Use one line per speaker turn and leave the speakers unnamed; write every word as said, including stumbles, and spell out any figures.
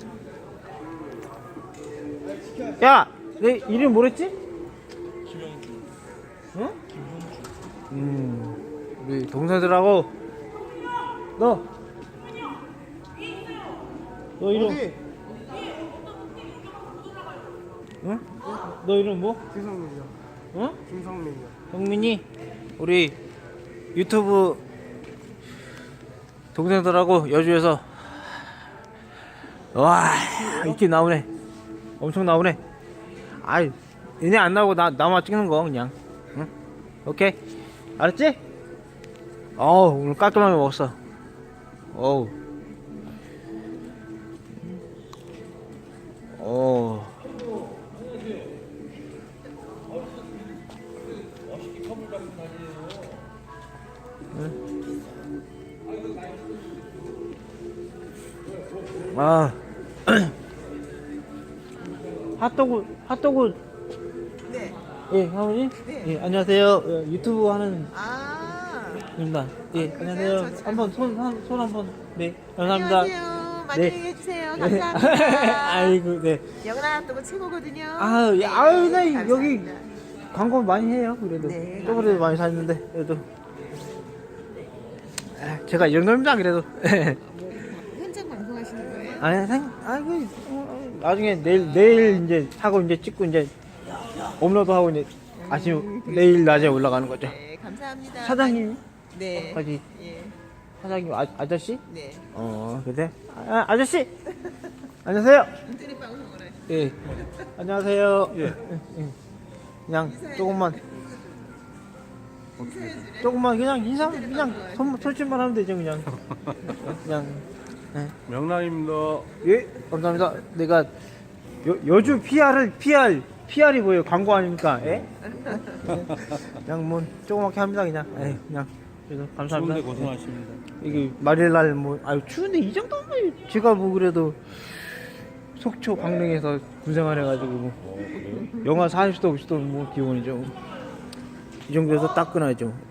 야, 내 이름 뭐랬지?
김영주.
응?
김형주.
음, 우리 동생들하고 너, 너 이름,
어디?
응? 너 이름 뭐?
김성민이요.
응?
김성민이요.
형민이 우리 유튜브 동생들하고 여주에서 와 이렇게 나오네. 엄청 나오네. 아이 얘네 안 나오고 나 나만 찍는 거 그냥. 응? 오케이 알았지? 어우 오늘 깔끔하게 먹었어. 어우 어. 아 핫도그 핫도그
네.
예 사모님
네.
예 안녕하세요 예, 유튜브 하는
아.
입니다 예
아, 그러세요?
안녕하세요
저
한번 손 손 한번 네 감사합니다
안녕하세요. 많이
네.
얘기해주세요.
예.
감사합니다.
아이고 네
영란 핫도그 최고거든요.
아유
네,
예, 아유 나 여기
감사합니다.
광고 많이 해요 그래도
네,
저번에도 많이 샀는데 그래도 아, 제가 이 정도입니다 그래도
현장 방송하시는 거예요?
아니 생 아이고 어, 나중에 내일 내일 이제 하고 이제 찍고 이제 업로드 하고 이제 아침 내일 낮에 올라가는 거죠.
네, 감사합니다.
사장님
네.
까지
예.
사장님 아, 아저씨?
네.
어 그래? 아, 아저씨 안녕하세요.
인터넷 방송을 하시.
예 안녕하세요. 예. 예. 그냥 조금만 조금만 그냥 인사 그냥 손 손짓만 하면 되죠 그냥 그냥 예.
명랑입니다.
예, 감사합니다. 내가 여, 여주 피알을 피알 피알이 뭐예요? 광고 아닙니까? 예? 그냥 뭐 조그맣게 합니다 그냥. 예, 그냥 그래서 감사합니다.
추운데 고생하십니다.
이게 말일날 뭐 아유 추운데 이 정도면 제가 뭐 그래도 속초 강릉에서 군생활해가지고 뭐
어, 그래요?
영하 사십 도 오십 도 뭐 기온이죠. 이 정도에서 따끈하죠.